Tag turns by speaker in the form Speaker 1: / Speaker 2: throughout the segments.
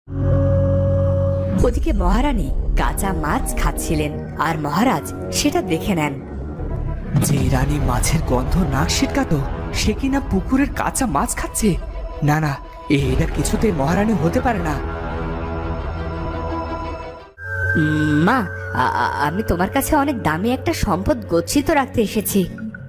Speaker 1: ওদিকে মহারানী কাঁচা মাছ খাচ্ছিলেন, আর মহারাজ সেটা দেখে নেন।
Speaker 2: যে রানী মাছের গন্ধ নাক ছিটকাতো, সে কিনা পুকুরের কাঁচা মাছ খাচ্ছে। না না, এটা কিছুতেই মহারানী হতে পারে না।
Speaker 1: মা, আমি তোমার কাছে অনেক দামি একটা সম্পদ গচ্ছিত রাখতে এসেছি।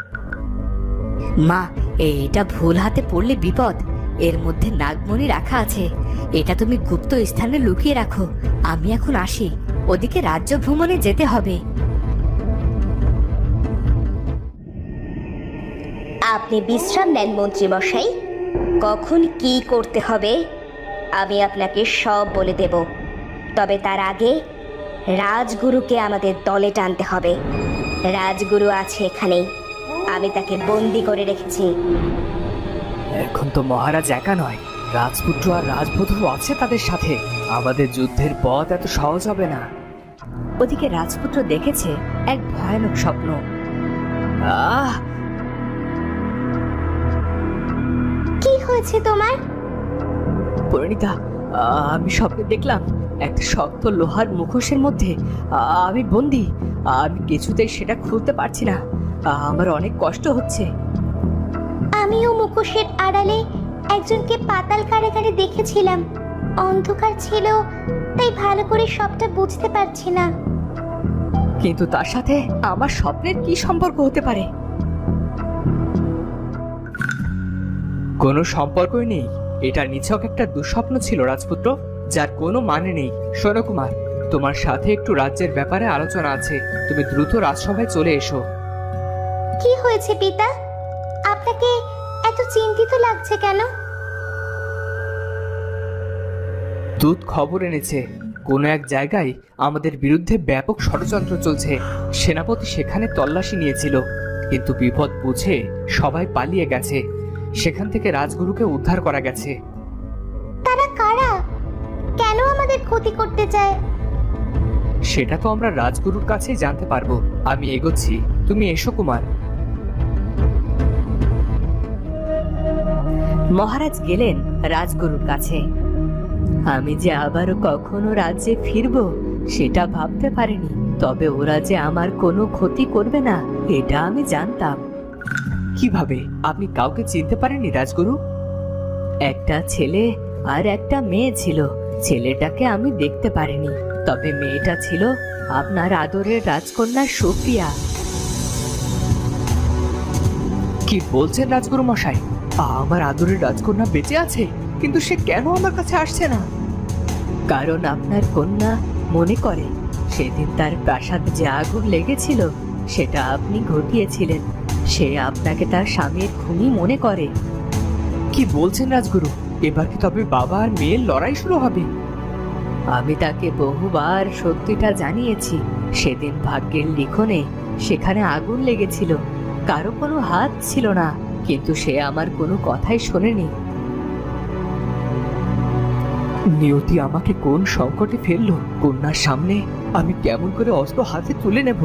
Speaker 1: মা, এটা ভুল হাতে পড়লে বিপদ। এর মধ্যে নাগমণি রাখা আছে, এটা তুমি গুপ্ত স্থানে লুকিয়ে রাখো। আমি এখন আসি, ওদিকে রাজ্য ভ্রমণে যেতে হবে।
Speaker 3: আপনি বিশ্রাম নেন মন্ত্রী মশাই। কখন কি করতে হবে আমি আপনাকে সব বলে দেব, তবে তার আগে রাজগুরুকে আমাদের দলে টানতে হবে। রাজগুরু আছে এখানেই, আমি তাকে বন্দি করে রেখেছি।
Speaker 2: এখন তো মহারাজ একা নয়, রাজপুত্র আর রাজবধূ আছে তাদের সাথে। আমাদের যুদ্ধের পথ এত সহজ হবে না।
Speaker 1: ওদিকে রাজপুত্র দেখেছে এক ভয়ানক স্বপ্ন।
Speaker 2: আহ,
Speaker 3: কি হয়েছে তোমার?
Speaker 2: পরিণীতা, আমি স্বপ্নে দেখলাম একটা শক্ত লোহার মুখোশের মধ্যে আমি বন্দি। আমি কিছুতেই সেটা খুলতে পারছি না, আমার অনেক কষ্ট হচ্ছে।
Speaker 3: আমিও মুখোশের আড়ালে একজনকে পাতাল কারাগারে দেখেছিলাম। অন্ধকার ছিল, তাই ভালো করে সবটা বুঝতে পারছি না।
Speaker 2: কিন্তু তার সাথে আমার স্বপ্নের কি সম্পর্ক হতে পারে? কোনো সম্পর্কই নেই। এটা নিছক একটা দুঃস্বপ্ন ছিল রাজপুত্র, যার কোনো মানে নেই। শোনো কুমার, তোমার সাথে একটু রাজ্যের ব্যাপারে আলোচনা আছে। তুমি দ্রুত রাজসভায় চলে এসো।
Speaker 3: কি হয়েছে পিতা? আপনাকে এত চিন্তিত লাগছে কেন?
Speaker 2: দূত খবর এনেছে কোনো এক জায়গায় আমাদের বিরুদ্ধে ব্যাপক ষড়যন্ত্র চলছে। সেনাপতি সেখানে তল্লাশি নিয়েছিল, কিন্তু বিপদ বুঝে সবাই পালিয়ে গেছে। সেখান থেকে রাজগুরুকে উদ্ধার করা গেছে।
Speaker 3: তারা কারা? কেন আমাদের ক্ষতি করতে চায়?
Speaker 2: সেটা তো আমরা রাজগুরুর কাছেই জানতে পারবো। আমি এগোচ্ছি, তুমি এসো কুমার।
Speaker 1: মহারাজ গেলেন রাজগুরুর কাছে। আমি যে আবারও কখনো রাজ্যে ফিরবো সেটা ভাবতে পারিনি, তবে ওরা যে আমার কোনো ক্ষতি করবে না এটা আমি জানতাম।
Speaker 2: কিভাবে? আপনি কাউকে চিনতে পারেননি রাজগুরু?
Speaker 1: একটা ছেলে আর একটা মেয়ে ছিল। ছেলেটাকে আমি দেখতে পারিনি, তবে মেয়েটা ছিল আপনার আদরের রাজকন্যা সোফিয়া।
Speaker 2: কি বলছেন রাজগুরু মশাই? আমার আদরের রাজকন্যা বেঁচে আছে, কিন্তু সে কেন আমার কাছে আসছে না?
Speaker 1: কারণ আপনার কন্যা মনে করে সেদিন তার প্রাসাদে যে আগুন লেগেছিল সেটা আপনি ঘটিয়েছিলেন। সে আপনাকে তার স্বামীর খুনি মনে করে।
Speaker 2: কি বলছেন রাজগুরু? এবার কি তবে বাবা আর মেয়ের লড়াই শুরু হবে?
Speaker 1: আমি তাকে বহুবার সত্যিটা জানিয়েছি। সেদিন ভাগ্যের লিখনে সেখানে আগুন লেগেছিল, কারো কোনো হাত ছিল না, কিন্তু সে আমার কোনো কথাই শোনেনি।
Speaker 2: নিয়তি আমাকে কোন সংকটে ফেললো? কন্যার সামনে আমি কেমন করে অস্ত্র হাতে তুলে নেব?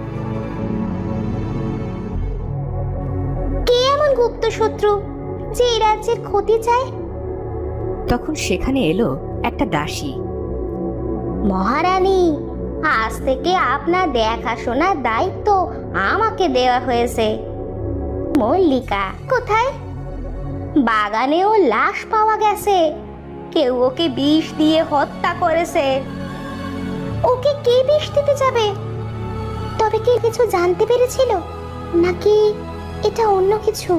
Speaker 3: কে এমন গুপ্ত শত্রু যে এই রাজ্যের ক্ষতি চায়?
Speaker 1: তখন সেখানে এলো একটা দাসী।
Speaker 3: মহারানী, আজ থেকে আপনার দেখাশোনার দায়িত্ব আমাকে দেওয়া হয়েছে। মল্লিকা কোথায়? বাগানেও লাশ পাওয়া গেছে, কেউ ওকে বিষ দিয়ে হত্যা করেছে। ওকে কে বিষ দিতে যাবে? তবে কি কিছু জানতে পেরেছিল, নাকি এটা অন্য কিছু?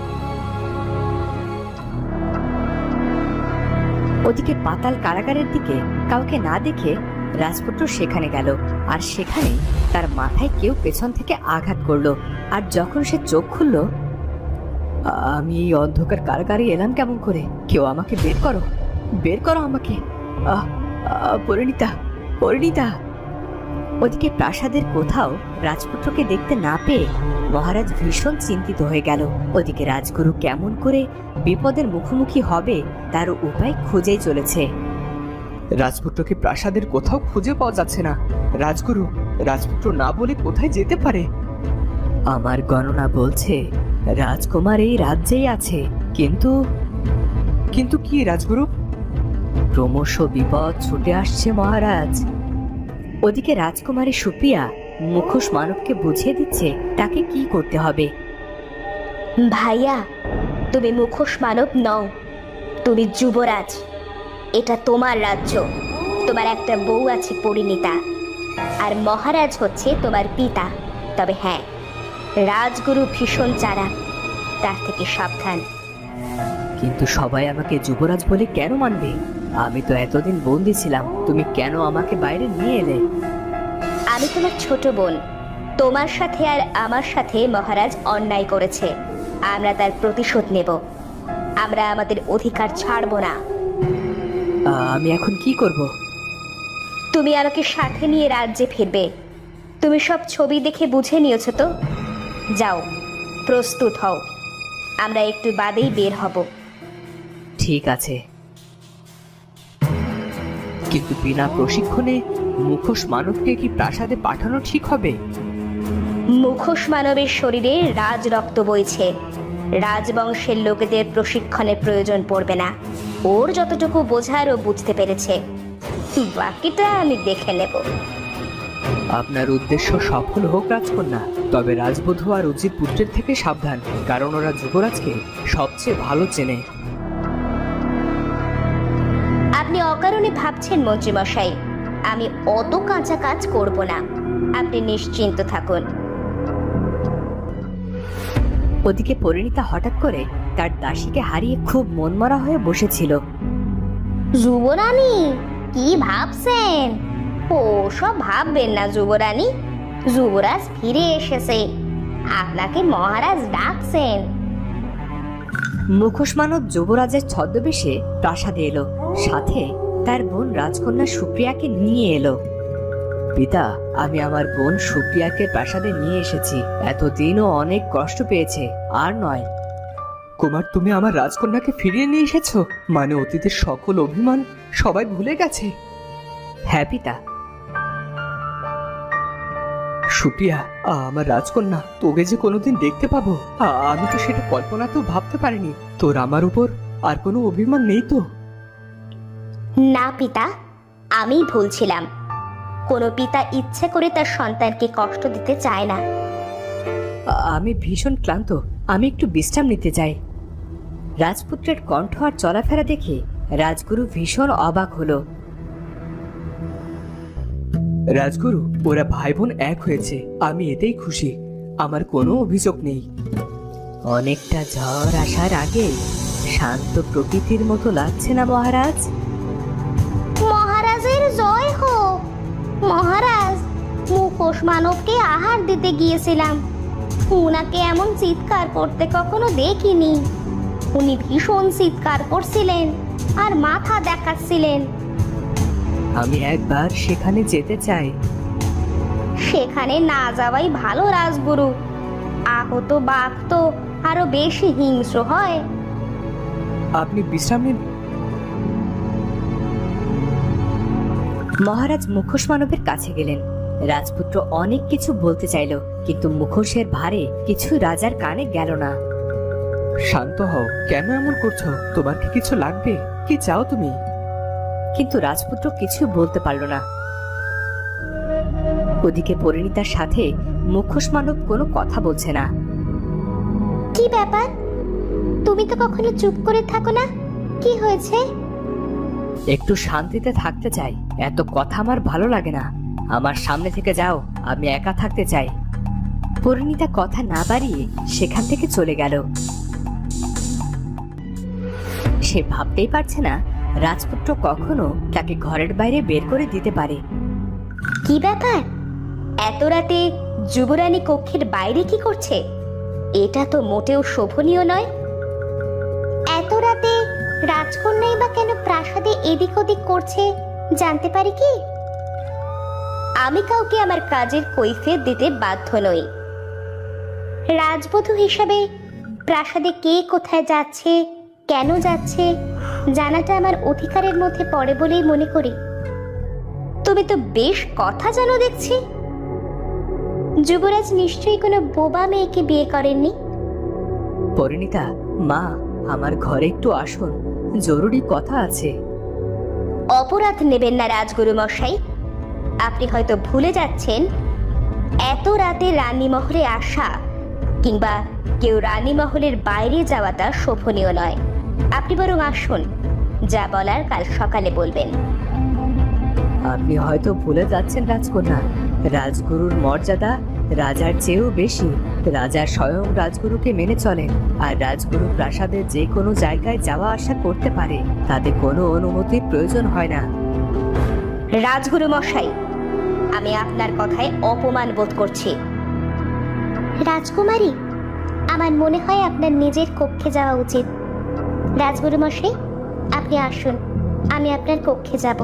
Speaker 1: ওদিকে পাতাল কারাগারের দিকে কাউকে না দেখে রাজপুত্র সেখানে গেল, আর সেখানেই তার মাথায় কেউ পেছন থেকে আঘাত করলো। আর যখন সে চোখ খুলল, আমি এই অন্ধকার কারাগারে এলাম কেমন করে? কেউ আমাকে বের করো, বের করো আমাকে। পরিণীতা, পরিণীতা। ওদিকে প্রাসাদের কোথাও রাজপুত্রকে দেখতে না পেয়ে মহারাজ ভীষণ চিন্তিত হয়ে গেল। ওদিকে রাজগুরু কেমন করে বিপদের মুখোমুখি হবে তার উপায় খুঁজেই চলেছে।
Speaker 2: রাজপুত্রকে প্রাসাদের কোথাও খুঁজে পাওয়া যাচ্ছে না। রাজগুরু, রাজপুত্র না বলে কোথায় যেতে পারে?
Speaker 1: আমার গণনা বলছে রাজকুমার এই রাজ্যেই আছে, কিন্তু
Speaker 2: কিন্তু কি রাজগুরু?
Speaker 1: ক্রমশ বিপদ ছুটে আসছে মহারাজ। ওদিকে রাজকুমারী সুপ্রিয়া মুখোশ মানবকে বুঝিয়ে দিচ্ছে তাকে কি করতে হবে।
Speaker 3: ভাইয়া, তুমি মুখোশ মানব নও, তুমি যুবরাজ। এটা তোমার রাজ্য। তোমার একটা বউ আছে পরিণীতা, আর মহারাজ হচ্ছে তোমার পিতা। তবে হ্যাঁ, রাজগুরু ভীষণ চালাক, তার থেকে সাবধান।
Speaker 1: কিন্তু সবাই আমাকে যুবরাজ বলে কেন মানবে? আমি তো এতদিন বন্দি ছিলাম, তুমি কেন আমাকে বাইরে নিয়ে এলে?
Speaker 3: আমি তোমার ছোট বোন। তোমার সাথে আর আমার সাথে মহারাজ অন্যায় করেছে, আমরা তার প্রতিশোধ নেব। আমরা আমাদের অধিকার ছাড়বো না।
Speaker 1: আমি এখন কি করব?
Speaker 3: তুমি আমাকে সাথে নিয়ে রাজ্যে ফিরবে। তুমি সব ছবি দেখে বুঝে নিয়েছো তো? যাও, প্রস্তুত হও, আমরা একটু বাদেই বের হব।
Speaker 1: ঠিক আছে। কিন্তু বিনা প্রশিক্ষণে মুখোশ মানবকে কি প্রাসাদে পাঠানো ঠিক হবে?
Speaker 3: মুখোশ মানবের শরীরে রাজ রক্ত বইছে। রাজবংশের লোকেদের প্রশিক্ষণের প্রয়োজন পড়বে না। ওর যতটুকু বোঝার ও বুঝতে পেরেছে, বাকিটা আমি দেখে নেব।
Speaker 2: আপনার উদ্দেশ্য সফল হোক রাজকন্যা, তবে রাজবধূ আর উজির পুত্রের থেকে সাবধান, কারণ ওরা যুবরাজকে সবচেয়ে ভালো চেনে।
Speaker 3: আপনি অকারণে ভাবছেন মন্ত্রীমশাই, আমি অত কাঁচা কাজ করব না। আপনি নিশ্চিন্ত থাকুন।
Speaker 1: ওদিকে পরিণীতা হঠাৎ করে তার দাসীকে হারিয়ে খুব মনমরা হয়ে বসেছিল।
Speaker 3: যুবরানী, কি ভাবছেন? ও সব ভাববেন না যুবরানী, যুবরাজ ফিরে এসেছে, আপনাকে মহারাজ ডাকছেন।
Speaker 1: মুখোশ মানব যুবরাজের ছদ্মবেশে প্রাসাদে এলো, সাথে তার বোন রাজকন্যা সুপ্রিয়াকে নিয়ে এলো। পিতা, আমি আমার বোন সুপ্রিয়াকে প্রাসাদে নিয়ে এসেছি। এতদিনও অনেক কষ্ট পেয়েছে, আর নয়।
Speaker 2: কুমার, তুমি আমার রাজকন্যাকে ফিরিয়ে নিয়ে এসেছো? মানে অতীতের সকল অভিমান সবাই ভুলে গেছে?
Speaker 1: হ্যাঁ পিতা।
Speaker 2: সুপ্রিয়া, আমার রাজকন্যা, তোকে যে কোনোদিন দেখতে পাবো, আমি তো সেটা কল্পনাতেও ভাবতে পারিনি। তোর আমার উপর আর কোনো অভিমান নেই তো?
Speaker 3: না পিতা, আমি ভুলছিলাম। কোনো পিতা ইচ্ছে করে তার সন্তানকে কষ্ট দিতে চায় না।
Speaker 1: আমি ভীষণ ক্লান্ত, আমি একটু বিশ্রাম নিতে চাই। রাজপুত্রের কণ্ঠ আর চলাফেরা দেখে রাজগুরু ভীষণ অবাক হলো।
Speaker 2: রাজগুরু, ওরা ভাই বোন এক হয়েছে, আমি এতেই খুশি। আমার কোনো অভিযোগ নেই।
Speaker 1: অনেকটা ঝড় আসার আগে শান্ত প্রকৃতির মতো লাগছে না মহারাজ?
Speaker 3: মহারাজের জয় হোক। মহারাজ, মুখোশ মানবকে আহার দিতে গিয়েছিলাম, উনাকে এমন চিৎকার করতে কখনো দেখিনি। উনি ভীষণ চিৎকার করছিলেন আর মাথা দেখাচ্ছিলেন।
Speaker 1: আমি একবার সেখানে যেতে চাই।
Speaker 3: সেখানে না যাওয়াই ভালো রাজগুরু। আহত বাঘ তো আরো বেশি হিংস্র হয়।
Speaker 2: আপনি বিশ্রাম নিন।
Speaker 1: মহারাজ মুখোশ মানবের কাছে গেলেন। রাজপুত্র অনেক কিছু বলতে চাইল, কিন্তু মুখোশের ভারে কিছু রাজার কানে গেল না।
Speaker 2: শান্ত হও, কেন এমন করছো? তোমার কি কিছু লাগবে? কি চাও তুমি?
Speaker 1: কিন্তু রাজপুত্র কিছু বলতে পারল না। ওদিকে পরিণীতার সাথে মুখোশ মানব কোনো কথা বলছে না।
Speaker 3: কি ব্যাপার? তুমি তো কখনো চুপ করে থাকো না, কি হয়েছে?
Speaker 1: একটু শান্তিতে থাকতে চাই, এত কথা আমার ভালো লাগে না। আমার সামনে থেকে যাও, আমি একা থাকতে চাই। পরিণীতা কথা না বাড়িয়ে সেখান থেকে চলে গেল। সে ভাবতেই পারছে না রাজপুত্র কখনো তাকে ঘরের বাইরে বের করে দিতে পারে।
Speaker 3: কি ব্যাপার? এত রাতে যুবরানী কক্ষের বাইরে কি করছে? এটা তো মোটেও শোভনীয় নয়। এত রাতে রাজকন্যাই বা কেন প্রাসাদে এদিক ওদিক করছে, জানতে পারি কি? আমি কাউকে আমার কাজের কৈফিয়ত দিতে বাধ্য নই। রাজবধূ হিসাবে প্রাসাদে কে কোথায় যাচ্ছে, কেন যাচ্ছে, জানাটা আমার অধিকারের মধ্যে পড়ে বলেই মনে করি। তুমি তো বেশ কথা জানো দেখছি। যুবরাজ নিশ্চয়ই কোনো বোবা মেয়েকে বিয়ে করেননি।
Speaker 1: পরিণীতা, মা, আমার ঘরে একটু আসুন, জরুরি কথা আছে।
Speaker 3: অপরাধ নেবেন না রাজগুরু মশাই। আপনি হয়তো ভুলে যাচ্ছেন এত রাতে রানীমহলে আসা কিংবা কেউ রানীমহলের বাইরে যাওয়াটা শোভনীয় নয়। আপনি বরং আসুন, যা বলার কাল সকালে বলবেন।
Speaker 1: আপনি হয়তো ভুলে যাচ্ছেন রাজকন্যা, রাজগুরুর মর্যাদা রাজার চেয়েও বেশি। রাজা স্বয়ং রাজগুরুকে মেনে চলেন, আর রাজগুরু প্রাসাদের যে কোনো জায়গায় যাওয়া আসা করতে পারে, তাতে কোনো অনুমতির প্রয়োজন হয় না।
Speaker 3: রাজগুরু মশাই, আমি আপনার কথায় অপমান বোধ করছি। রাজকুমারী, আমার মনে হয় আপনার নিজের কক্ষে যাওয়া উচিত। রাজগুরু মশাই, আপনি আসুন, আমি আপনার কক্ষে যাব।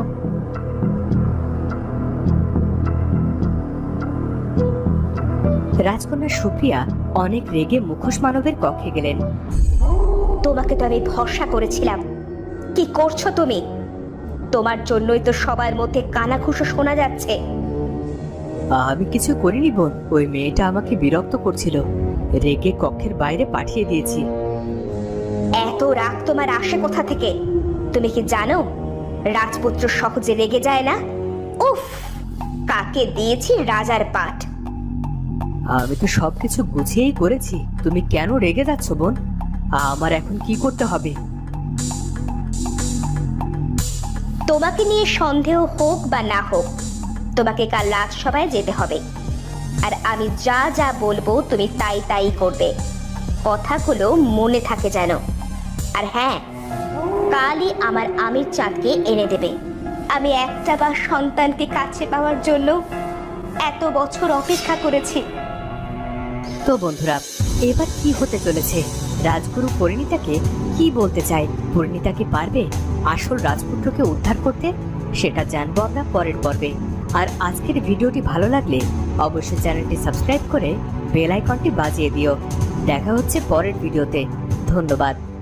Speaker 1: রাজকন্যা সুপ্রিয়া অনেক রেগে মুখোশ মানবের কক্ষে গেলেন।
Speaker 3: তোমাকে তো আমি ভরসা করেছিলাম। কি করছো তুমি? তোমার জন্যই তো সবার মধ্যে কানাঘুষো শোনা যাচ্ছে।
Speaker 1: আমি কিছু করিনি বোন, ওই মেয়েটা আমাকে বিরক্ত করছিল, রেগে কক্ষের বাইরে পাঠিয়ে দিয়েছি।
Speaker 3: এত রাগ তোমার আসে কোথা থেকে? তুমি কি জানো রাজপুত্র সহজে রেগে যায় না? উফ, কাকে দিয়েছি রাজার পাঠ।
Speaker 1: আমি তো সবকিছু গুছিয়েই করেছি, তুমি কেন রেগে যাচ্ছ বোন? আমার এখন কি করতে হবে?
Speaker 3: তোমাকে নিয়ে সন্দেহ হোক বা না হোক, তোমাকে কাল রাজসভায় যেতে হবে। আর আমি যা যা বলবো তুমি তাই তাই করবে। কথাগুলো মনে থাকে যেন। আর হ্যাঁ, কালই আমার আমির চাঁদকে এনে দেবে। আমি একটা বা সন্তানকে কাছে পাওয়ার জন্য এত বছর অপেক্ষা করেছি।
Speaker 1: তো বন্ধুরা, এবার কি হতে চলেছে? রাজগুরু পরিণীতাকে কি বলতে চায়? পরিণীতা কি পারবে আসল রাজপুত্রকে উদ্ধার করতে? সেটা জানবো আমরা পরের পর্বে। আর আজকের ভিডিওটি ভালো লাগলে অবশ্যই চ্যানেলটি সাবস্ক্রাইব করে বেল আইকনটি বাজিয়ে দিও। দেখা হচ্ছে পরের ভিডিওতে। ধন্যবাদ।